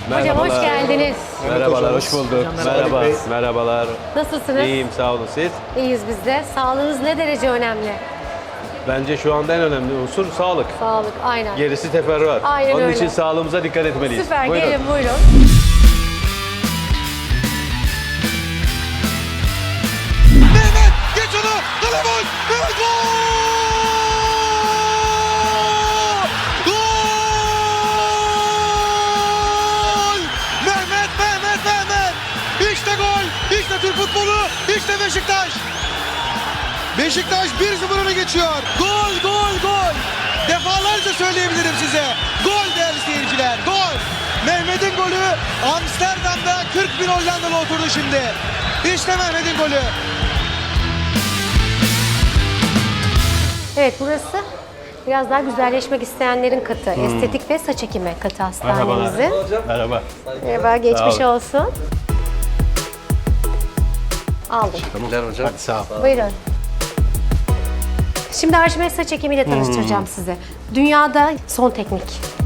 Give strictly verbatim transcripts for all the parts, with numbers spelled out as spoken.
Hocam hoş geldiniz. Merhabalar, hoş bulduk. Merhaba, merhabalar. Nasılsınız? İyiyim, sağ olun siz. İyiyiz biz de. Sağlığınız ne derece önemli? Bence şu anda en önemli unsur sağlık. Sağlık, aynen. Gerisi teferruat. Aynen Onun öyle. için sağlığımıza dikkat etmeliyiz. Süper, Buyurun. gelin buyurun. Mehmet geç onu. Kale gol. Mehmet gol. Gol. Mehmet Mehmet Mehmet. İşte gol. İşte Türk futbolu. İşte Beşiktaş. Beşiktaş bir sıfır öne geçiyor. Gol gol gol. Defalarca söyleyebilirim size. Gol değerli seyirciler. Gol. Mehmet'in golü Amsterdam'da kırk bin Hollandalı oturdu şimdi. İşte Mehmet'in golü. Evet, burası biraz daha güzelleşmek isteyenlerin katı. Estetik ve saç ekimi katı hastanemizin. Merhaba. Merhaba, geçmiş Sağ olun. olsun. Aldım. Hocam. Hadi sağ ol. Buyurun. Şimdi Arşimet saç ekimiyle tanıştıracağım sizi. Dünyada son teknik.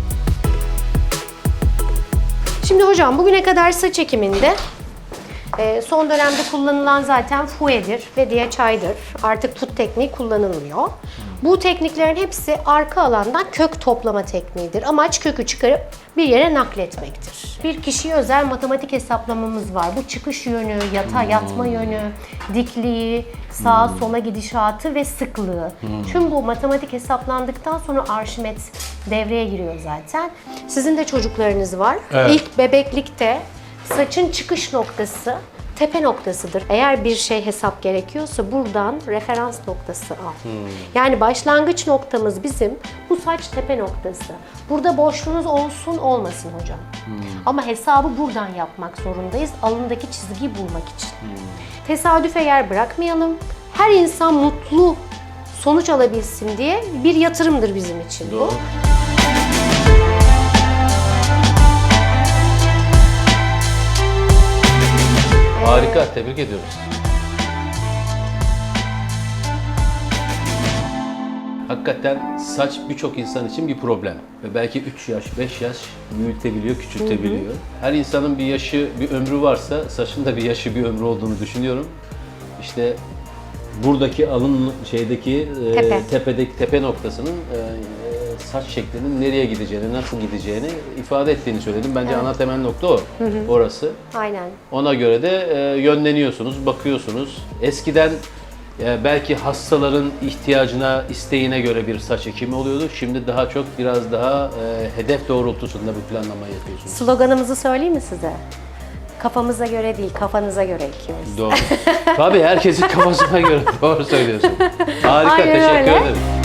Şimdi hocam bugüne kadar saç ekiminde e, son dönemde kullanılan zaten fuedir ve diye çaydır. Artık tut tekniği kullanılmıyor. Bu tekniklerin hepsi arka alandan kök toplama tekniğidir. Amaç kökü çıkarıp bir yere nakletmektir. Bir kişiye özel matematik hesaplamamız var. Bu çıkış yönü, yata yatma yönü, dikliği, sağa sola gidişatı ve sıklığı. Tüm bu matematik hesaplandıktan sonra Arşimet devreye giriyor zaten. Sizin de çocuklarınız var. Evet. İlk bebeklikte saçın çıkış noktası tepe noktasıdır. Eğer bir şey hesap gerekiyorsa buradan referans noktası al. Yani başlangıç noktamız bizim bu saç tepe noktası. Burada boşluğunuz olsun olmasın hocam. Ama hesabı buradan yapmak zorundayız. Alındaki çizgiyi bulmak için. Tesadüfe yer bırakmayalım. Her insan mutlu sonuç alabilsin diye bir yatırımdır bizim için bu. Doğru. Harika, tebrik ediyoruz. Hakikaten saç birçok insan için bir problem. Ve belki üç yaş, beş yaş büyütebiliyor, küçültebiliyor. Her insanın bir yaşı, bir ömrü varsa saçın da bir yaşı, bir ömrü olduğunu düşünüyorum. İşte buradaki alın şeydeki e, Tepe. tepedeki tepe noktasının e, saç şeklinin nereye gideceğini, nasıl gideceğini ifade ettiğini söyledim. Bence ana temel nokta o. Orası. Aynen. Ona göre de e, yönleniyorsunuz, bakıyorsunuz. Eskiden e, belki hastaların ihtiyacına, isteğine göre bir saç ekimi oluyordu. Şimdi daha çok biraz daha e, hedef doğrultusunda bir planlama yapıyorsunuz. Sloganımızı söyleyeyim mi size? Kafamıza göre değil, kafanıza göre ekiyoruz. Doğru. Tabii herkesin kafasına göre doğru söylüyorsun. Harika, Aynen teşekkür öyle. ederim.